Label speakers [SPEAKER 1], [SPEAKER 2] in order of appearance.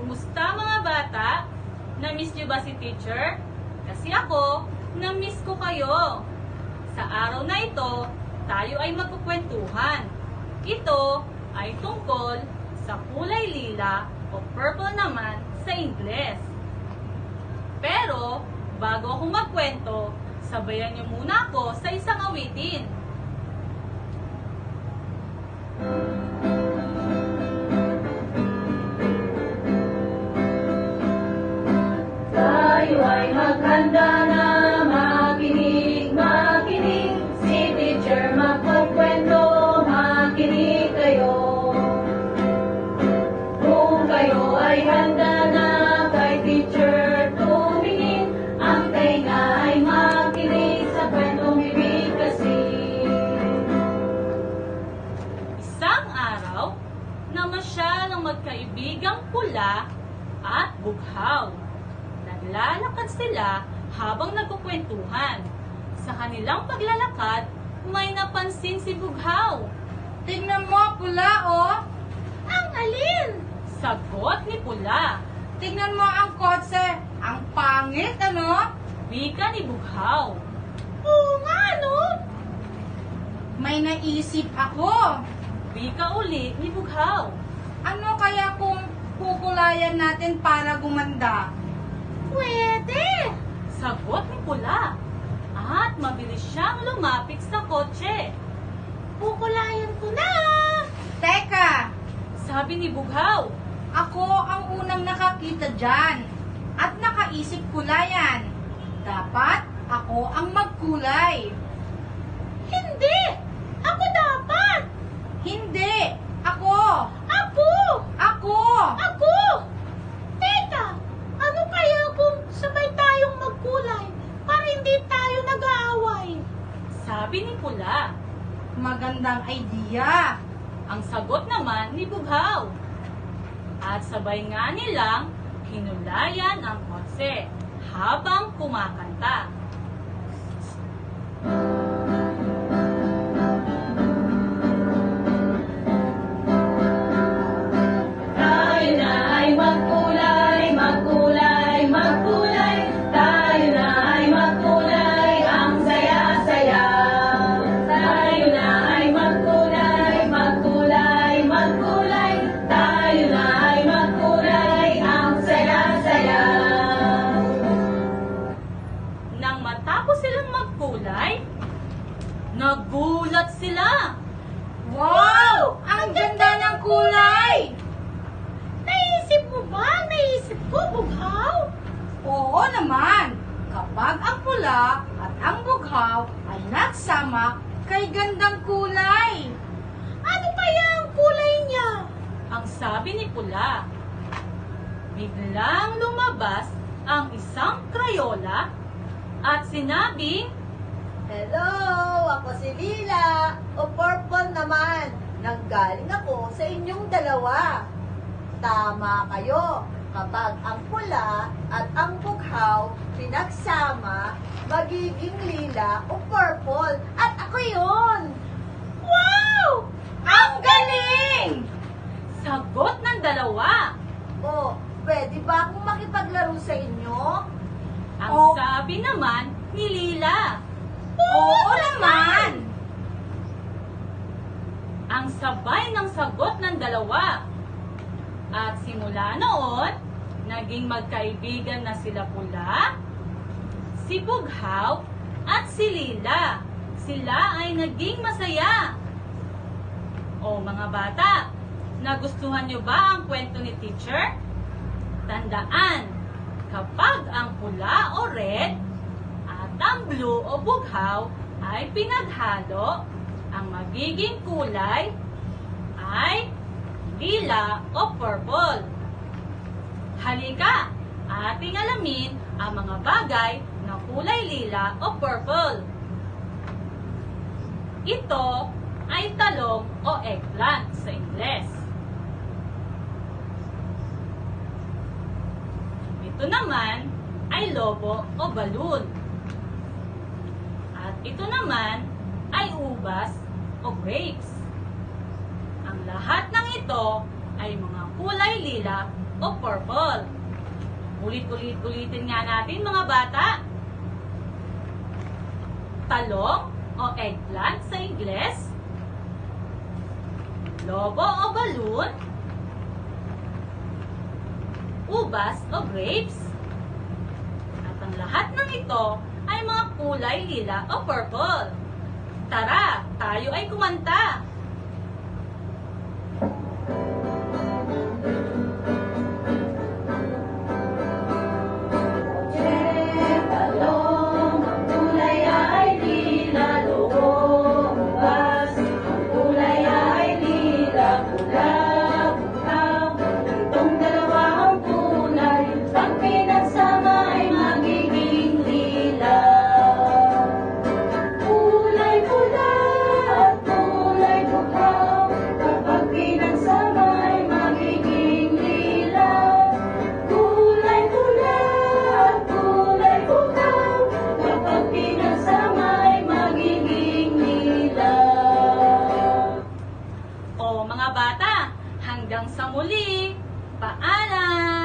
[SPEAKER 1] Kumusta mga bata? Na-miss niyo ba si teacher? Kasi ako, na-miss ko kayo. Sa araw na ito, tayo ay magkukwentuhan. Ito ay tungkol sa kulay lila o purple naman sa Ingles. Pero, bago ako magkwento, sabayan niyo muna ako sa isang awitin. Tayo ay maghanda na makinig, makinig. Si teacher magkukwento, makinig kayo. Kung kayo ay handa na kay teacher tumingin, ang tenga ay makinig sa kwentong bibigkasin. Isang araw, namasyal ang magkaibigang pula at bughaw. Naglalakad sila habang nagkukwentuhan. Sa kanilang paglalakad, may napansin si bughaw.
[SPEAKER 2] Tingnan mo, pula, oh.
[SPEAKER 1] Ang alin? Sagot ni pula.
[SPEAKER 2] Tingnan mo ang kotse. Ang pangit, ano?
[SPEAKER 1] Wika ni bughaw.
[SPEAKER 2] Oo nga, ano? May naisip ako.
[SPEAKER 1] Wika uli ni bughaw.
[SPEAKER 2] Ano kaya kung kukulayan natin para gumanda? Pwede!
[SPEAKER 1] Sagot ni pula. At mabilis siyang lumapit sa kotse.
[SPEAKER 2] Kukulayan ko na! Teka!
[SPEAKER 1] Sabi ni bughaw.
[SPEAKER 2] Ako ang unang nakakita dyan. At nakaisip kulayan. Dapat ako ang magkulay. Hindi! Ako dapat! Hindi! Ako! Ako! Ako! Ako! Teka! Ano kaya kung sabay tayong magkulay para hindi tayo nag-aaway?
[SPEAKER 1] Sabi ni pula.
[SPEAKER 2] Magandang idea!
[SPEAKER 1] Ang sagot naman ni bughaw. At sabay nga nilang hinulayan ang kotse habang kumakanta. Tayo na ay magkulay, magkulay, magkulay. Tayo na ay magkulay, ang saya-saya. Tayo na ay magkulay, magkulay, magkulay. Tayo na ay magkulay, ang saya-saya. Nang matapos silang magkulay, nagulat sila.
[SPEAKER 2] Wow! Ang ganda ng kulay!
[SPEAKER 1] Naisip mo ba? Naisip ko, bughaw?
[SPEAKER 2] Oo naman! Kapag ang pula at ang bughaw ay nagsama kay gandang kulay. Ano kaya ang kulay niya?
[SPEAKER 1] Ang sabi ni pula. Biglang lumabas ang isang krayola at sinabing,
[SPEAKER 3] Hello! Ako si Lila, o Purple naman. Nanggaling ako sa inyong dalawa. Tama kayo. Kapag ang pula at ang bughaw pinagsama, magiging lila o purple. At ako yun!
[SPEAKER 2] Wow! Ang galing!
[SPEAKER 1] sagot ng dalawa.
[SPEAKER 3] O, pwede ba akong makipaglaro sa inyo?
[SPEAKER 1] Ang
[SPEAKER 2] Oh.
[SPEAKER 1] sabi naman ni Lila.
[SPEAKER 2] Oo naman!
[SPEAKER 1] Ang sabay ng sagot ng dalawa. At simula noon, naging magkaibigan na sila pula, si bughaw, at si Lila. Sila ay naging masaya. O mga bata, nagustuhan nyo ba ang kwento ni teacher? Tandaan, kapag ang pula o red at ang blue o bughaw ay pinaghalo, ang magiging kulay ay lila o purple. Halika, ating alamin ang mga bagay na kulay lila o purple. Ito ay talong o eggplant sa Ingles. Ito naman ay lobo o balloon. At ito naman ay ubas o grapes. Ang lahat ng ito ay mga kulay lila o purple. Ulit-ulitin nga natin mga bata. Talong o eggplant sa Ingles. Lobo o balloon. Ubas o grapes. At ang lahat ng ito ay mga kulay lila o purple. Tara, tayo ay kumanta.
[SPEAKER 4] Talong, ang kulay ay lila, lobo, ubas, ang kulay ay lila, pula, butaw. Itong dalawa ang kulay, pag pinagsama ay magiging lila. Kulay pula at kulay butaw, kapag pinagsama ay magiging lila. Kulay pula at kulay butaw, kapag pinagsama ay magiging lila.
[SPEAKER 1] O mga bata, hanggang sa muli. Paalam!